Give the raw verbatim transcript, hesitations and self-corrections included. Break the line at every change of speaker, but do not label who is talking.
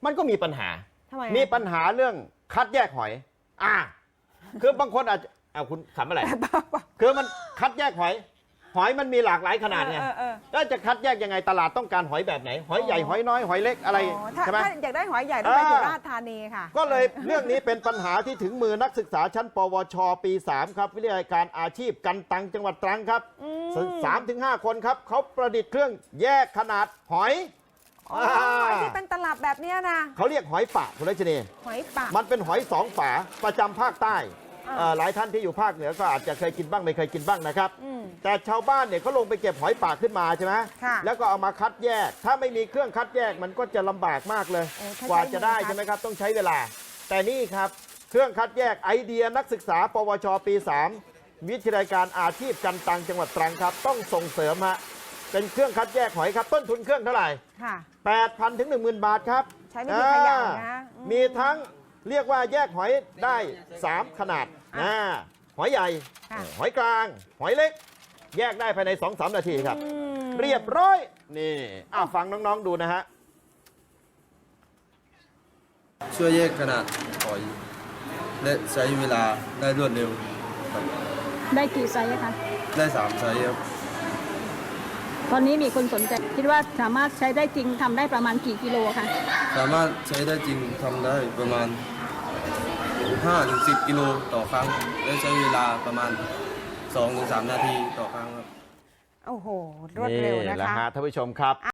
มันก็มีปัญหา
มี
ปัญหาเรื่องคัดแยกหอยอ่าคือบางคนอาจจะเอาคุณขำอะไรคือมันคัดแยกหอยหอยมันมีหลากหลายขนาดไงแล้วจะคัดแยกยังไงตลาดต้องการหอยแบบไหนหอยใหญ่หอยน้อยหอยเล็กอะไรใช่ไหม
ถ้าอยากได้หอยใหญ่ต้องไปสุราษฎร์ธานีค่ะ
ก็เลยเรื่องนี้เป็นปัญหาที่ถึงมือนักศึกษาชั้นปวชปีสามครับวิทยาการอาชีพกันตังจังหวัดตรังครับสามถึงห้าคนครับเขาประดิษฐ์เครื่องแยกขนาดหอย
หอยที่เป็นตลับแบบนี้นะ
เขาเรียกหอยปะคุณรัชนี
หอยปะ
มันเป็นหอยสองฝาประจำภาคใต้หลายท่านที่อยู่ภาคเหนือก็อาจจะเคยกินบ้างไม่เคยกินบ้างนะครับแต่ชาวบ้านเนี่ยเขาลงไปเก็บหอยปากขึ้นมาใช่ไหมแล้วก็เอามาคัดแยกถ้าไม่มีเครื่องคัดแยกมันก็จะลำบากมากเลยกว่าจะได้ใช่ไหมครับต้องใช้เวลาแต่นี่ครับเครื่องคัดแยกไอเดียนักศึกษาปวชปีสามวิทยาการอาชีพกันตังจังหวัดตรังครับต้องส่งเสริมฮะเป็นเครื่องคัดแยกหอยครับต้นทุนเครื่องเท่าไหร่แปดพันถึงหนึ่งหมื่นบาทครับ
ใช้วิธีขยันนะ
มีทั้งเรียกว่าแยกหอยได้สามขนาดนะหอยใหญ่หอยกลางหอยเล็กแยกได้ภายใน สองถึงสาม นาทีครับเรียบร้อยนี่อ้าวฟังน้องๆดูนะฮะ
ช่วยแยกขนาดหอยและใช้เวลาได้รวดเร็วครับ
ได้กี่ไซส์คะ
ได้สามไซส์ครับ
ตอนนี้มีคนสนใจคิดว่าสามารถใช้ได้จริงทำได้ประมาณกี่กิโลคะ
สามารถใช้ได้จริงทำได้ประมาณ ห้าถึงสิบ กิโลต่อครั้งและใช้เวลาประมาณ สองถึงสาม นาทีต่อครั้งครับ
โอ้โหรวดเร็วนะคะ
ท่านผู้ชมครับ